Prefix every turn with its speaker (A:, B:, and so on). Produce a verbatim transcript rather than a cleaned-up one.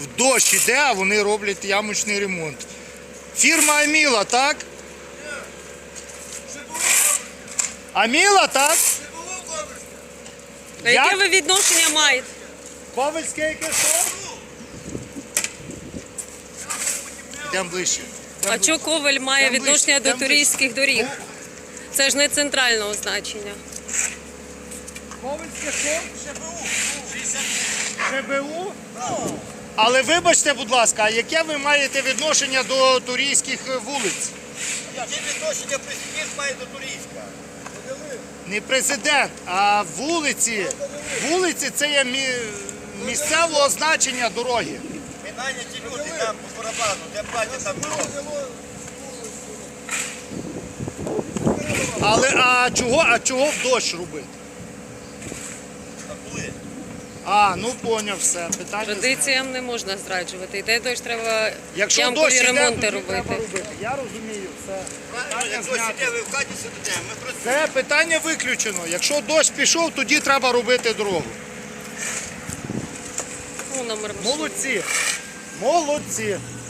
A: в дощ іде, а вони роблять ямочний ремонт. Фірма Аміла, так? Аміла, так?
B: А
A: Як?
B: яке ви відношення маєте?
A: Ковальське яке що? Йдемо ближче.
B: А чого Коваль має
A: Там
B: відношення
A: ближче,
B: до
A: там
B: туристських доріг?
A: Ну,
B: Це ж не центрального значення.
A: Ковальське що? ШБУ? Але вибачте, будь ласка, а яке ви маєте відношення до турійських вулиць?
C: Яке відношення президент має до Турійська?
A: Не президент, а вулиці. Вулиці це є мі- місцевого значення дороги.
C: Ми наняті люди там по барабану, де платять там дорогу.
A: Але а чого, а чого в дощ робити?
C: А коли?
A: А, ну поняв все. Питання. знято.
B: Традиціям не можна зраджувати. Йде дощ, треба
A: Якщо
B: ямкові
A: дощ іде,
B: ремонти
A: тоді
B: робити.
A: треба робити. Я розумію, все.
C: Правильно,
A: Питання
C: як хтось
A: знято.
C: іде, ви в хаті сидите, ми просто...
A: Це питання виключено. Якщо дощ пішов, тоді треба робити дорогу.
B: Ну, номер машини.
A: Молодці. Молодці.